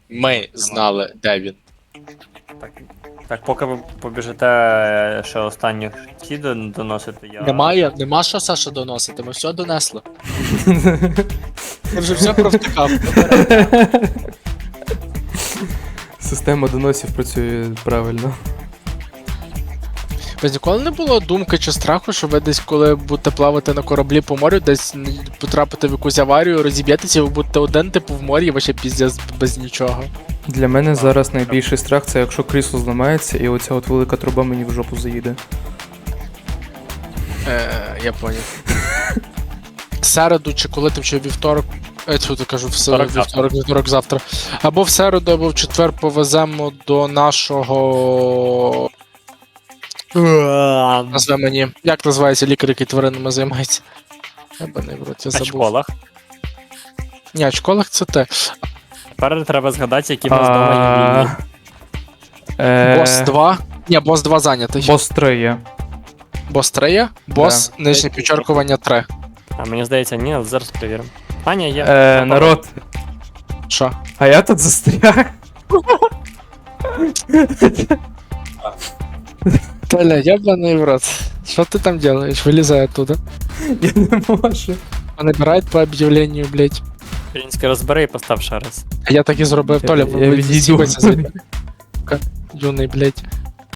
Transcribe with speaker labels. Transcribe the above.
Speaker 1: Ми знали, де він.
Speaker 2: Так, поки ви побіжите ще останніх ті доносити, я...
Speaker 1: Нема що, Саша, доносити, ми все донесли. Ти вже все провтикав.
Speaker 3: Система доносів працює правильно.
Speaker 1: Без ніколи не було думки чи страху, що ви десь, коли будете плавати на кораблі по морю, десь потрапите в якусь аварію, розіб'єтеся, і ви будете один, типу, в морі, і ви ще піздець без нічого.
Speaker 3: Для мене зараз найбільший страх це якщо крісло зламається і оця от велика труба мені в жопу заїде.
Speaker 1: Я поняв. Середу, чи коли ти, чи вівторок, що ти кажу, вівторок завтра. Або в середу, або в четвер повеземо до нашого... Назве мені. Як називається лікар, який тваринами займається? Ебаний в рот, я
Speaker 2: На
Speaker 1: забув.
Speaker 2: школах.
Speaker 1: Ні, в школах це те.
Speaker 2: Тепер треба згадати, які в нас дома є вільні.
Speaker 1: Бос 2. Ні, бос 2 зайнятий.
Speaker 3: Бос 3 є.
Speaker 1: Бос 3 є, бос нижнє підчеркування 3.
Speaker 2: А мені здається, ні, але зараз перевіримо. А, ні, є.
Speaker 3: Народ,
Speaker 1: Що?
Speaker 3: а я тут застряг.
Speaker 1: Толя, ябаний в рот. Що ти там делаешь? Вилізай оттуда.
Speaker 3: Я не можу.
Speaker 1: Набирають по об'явленню, блять.
Speaker 2: Український розбери і постав ще раз.
Speaker 1: А я так і зробив, Толя,
Speaker 3: Я відійду.
Speaker 1: Юний, блять.